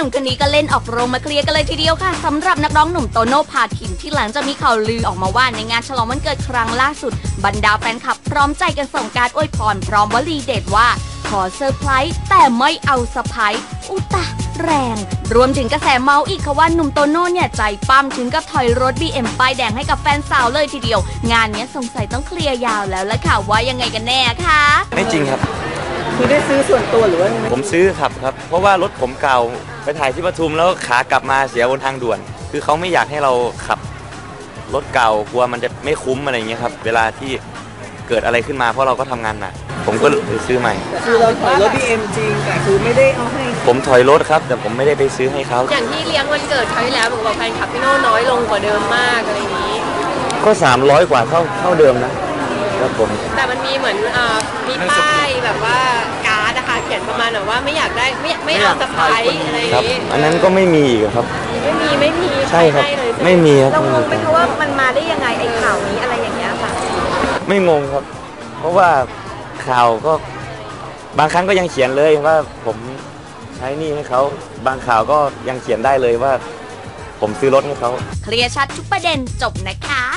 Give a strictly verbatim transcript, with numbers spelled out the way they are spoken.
นุ่มคนนี้ก็เล่นออกโรงมาเคลียร์กันเลยทีเดียวค่ะสำหรับนักร้องหนุ่มโตโน่พาคินที่หลังจากมีข่าวลือออกมาว่าในงานฉลองวันเกิดครั้งล่าสุดบรรดาแฟนคลับพร้อมใจกันส่งการอวยพรพร้อมวลีเด็ดว่าขอเซอร์ไพรส์แต่ไม่เอาสะพายอุตะแรงรวมถึงกระแสเมาส์อีกค่ะว่าหนุ่มโตโน่เนี่ยใจปั้มถึงกับถอยรถ บี เอ็ม ป้ายแดงให้กับแฟนสาวเลยทีเดียวงานนี้สงสัยต้องเคลียร์ยาวแล้วละค่ะว่ายังไงกันแน่คะไม่จริงครับคือได้ซื้อส่วนตัวหรือว่าผมซื้อครับครับเพราะว่ารถผมเก่าไปถ่ายที่ปทุมแล้วขากลับมาเสียบนทางด่วนคือเขาไม่อยากให้เราขับรถเก่ากลัวมันจะไม่คุ้มอะไรอย่างเงี้ยครับเวลาที่เกิดอะไรขึ้นมาเพราะเราก็ทำงานหนักผมก็เลยซื้อใหม่คือเราถอยรถ บี เอ็ม จริงแต่คือไม่ได้เอาให้ผมถอยรถครับแต่ผมไม่ได้ไปซื้อให้เขาอย่างที่เลี้ยงวันเกิดครั้งที่แล้วบอกว่าแฟนคลับพี่โน่น้อยลงกว่าเดิมมากอะไรอย่างนี้ก็สามร้อยกว่าเท่าเท่าเดิมนะครับผมแต่มันมีเหมือนอ่ามีป้ายแบบว่าการ์ดนะคะเขียนประมาณแบบว่าไม่อยากได้ไม่ไม่เอาสะพายอะไรอย่างนี้อันนั้นก็ไม่มีอีกครับไม่มีไม่มีใช่ครับไม่มีครับเรางงไหมคะว่ามันมาได้ยังไงไอ้ข่าวนี้อะไรอย่างเงี้ยค่ะไม่งงครับเพราะว่าข่าวก็บางครั้งก็ยังเขียนเลยว่าผมใช้หนี้ให้เขาบางข่าวก็ยังเขียนได้เลยว่าผมซื้อรถให้เขาเคลียร์ชัดทุกประเด็นจบนะคะ